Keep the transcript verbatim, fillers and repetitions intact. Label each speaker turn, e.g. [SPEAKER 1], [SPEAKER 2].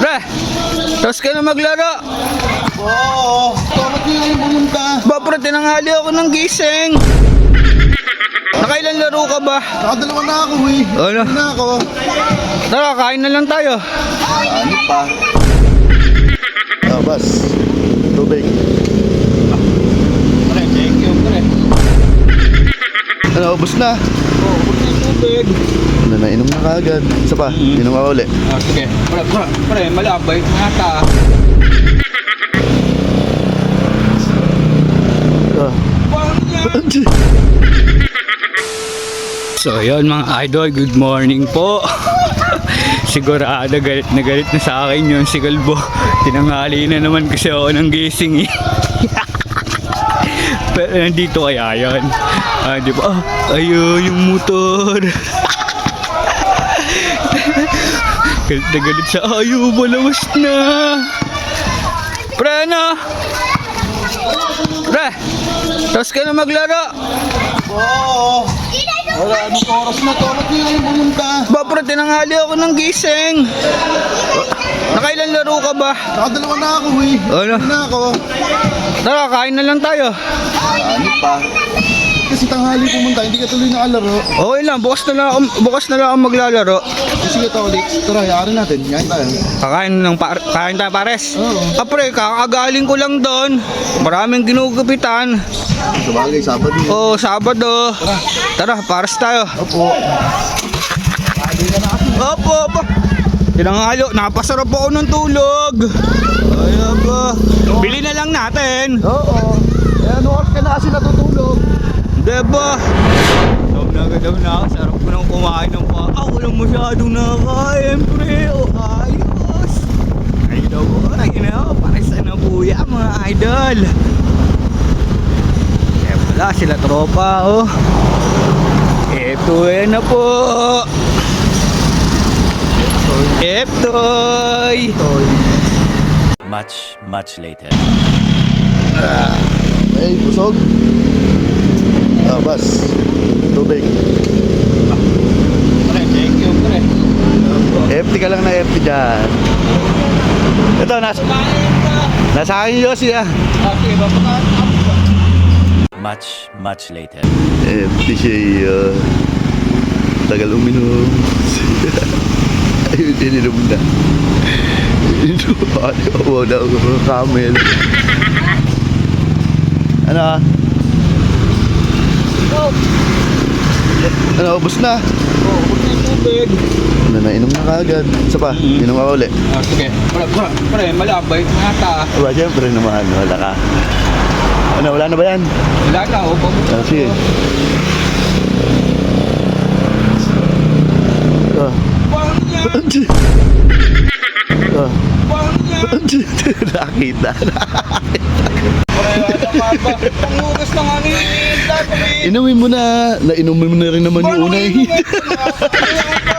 [SPEAKER 1] Pre, tapos ka na maglaro.
[SPEAKER 2] Oo, bakit nga yung pumunta?
[SPEAKER 1] Ba, pre, tinanghali ako ng gising. Nakailan laro ka ba?
[SPEAKER 2] Nakadalawa na ako eh.
[SPEAKER 1] Ano?
[SPEAKER 2] Ano na ako?
[SPEAKER 1] Tara, kain na lang tayo.
[SPEAKER 2] Ano pa? Ah, bas. Tubig.
[SPEAKER 1] Pre, thank you, pre.
[SPEAKER 2] Ano, ubos na?
[SPEAKER 1] Oo, ubos na yung tubig.
[SPEAKER 2] Ano, nainom na kaagad. Isa pa,
[SPEAKER 1] Mm.
[SPEAKER 2] inom ka uli.
[SPEAKER 1] Ah, sige. Pre, pre, pre, malabay. Nata.
[SPEAKER 2] Ah.
[SPEAKER 1] So yun mga idol, good morning po. Sigurado galit na galit na sa akin yun si Kalbo. Tinanghali na naman kasi ako ng gising eh. Pero nandito kaya yun. Ah, di ba? Ah, ayun yung motor. Galit na galit siya. Ayaw, malawas na. Pre, ano? Pre, tapos ka na maglaro.
[SPEAKER 2] Oo. Wala, anong oras na to? Bakit nga yung pumunta?
[SPEAKER 1] Ba, pre, tinanghali ako ng gising. Nakailan laro ka ba?
[SPEAKER 2] Nakadalawa na ako eh.
[SPEAKER 1] Ano?
[SPEAKER 2] Ano na ako?
[SPEAKER 1] Tara, kain na lang tayo.
[SPEAKER 2] Ano pa? Kasi tanghali pumunta, hindi ka tuloy nakalaro.
[SPEAKER 1] Okay lang, bukas na lang ako, bukas na lang ako maglalaro.
[SPEAKER 2] Sige to ulit. Tara, hayaan natin. Yain tayo.
[SPEAKER 1] Kakain ng par kain tayo pares.
[SPEAKER 2] Oo.
[SPEAKER 1] Ah, pre, kakagaling ko lang doon. Maraming ginugupitan.
[SPEAKER 2] Sa bagay, Sabado.
[SPEAKER 1] Oh, Sabado. Tara, pares tayo.
[SPEAKER 2] Opo.
[SPEAKER 1] Opo, opo. Tinanghalo, napasarap ako ng tulog. Ay, ba. Bili na lang natin.
[SPEAKER 2] Oo. Eh, ano oras ka na kasi natutulog?
[SPEAKER 1] Diba? Daw na daw na ako. Sarap ko nang kumain ng pa. Ah, walang masyadong nakakain, pre. O, ayos. Ay, daw. Ay, na. Pares na buya, mga idol. Eh, wala sila tropa, oh. Eto, eh na po. Etoy.
[SPEAKER 3] Much, much later.
[SPEAKER 2] Ay, busog. Ah, bas. Tubig.
[SPEAKER 1] Pre, thank you, pre.
[SPEAKER 2] F T ka lang na F T dyan. Ito, nasa, nasa akin yung Yossi ah.
[SPEAKER 1] Okay, babakaat ako.
[SPEAKER 3] Much, much later.
[SPEAKER 2] F T siya uh, tagal uminom. Ayun, ininom na. Ininom. Ano, na ako camel. Ano ah? Ano, ubos na?
[SPEAKER 1] Oo, ubos na yung tubig.
[SPEAKER 2] Ano, nainom na kaagad. Isa pa,
[SPEAKER 1] Mm.
[SPEAKER 2] inom ka uli.
[SPEAKER 1] Ah, sige. Pre, pre, pre, malabay. Nata.
[SPEAKER 2] Aba, siyempre naman, wala ka. Ano, wala na ba yan?
[SPEAKER 1] Wala na, oh. Pabuti
[SPEAKER 2] Ah, sige. Ah.
[SPEAKER 1] Bang niya!
[SPEAKER 2] Ah.
[SPEAKER 1] Bang niya!
[SPEAKER 2] Nakita.
[SPEAKER 1] Pre, ano ka ba? Pangugas na nga ngayon. Dapat eh.
[SPEAKER 2] Inumin mo na. Nainumin mo na rin naman yung una eh.
[SPEAKER 1] Ano yung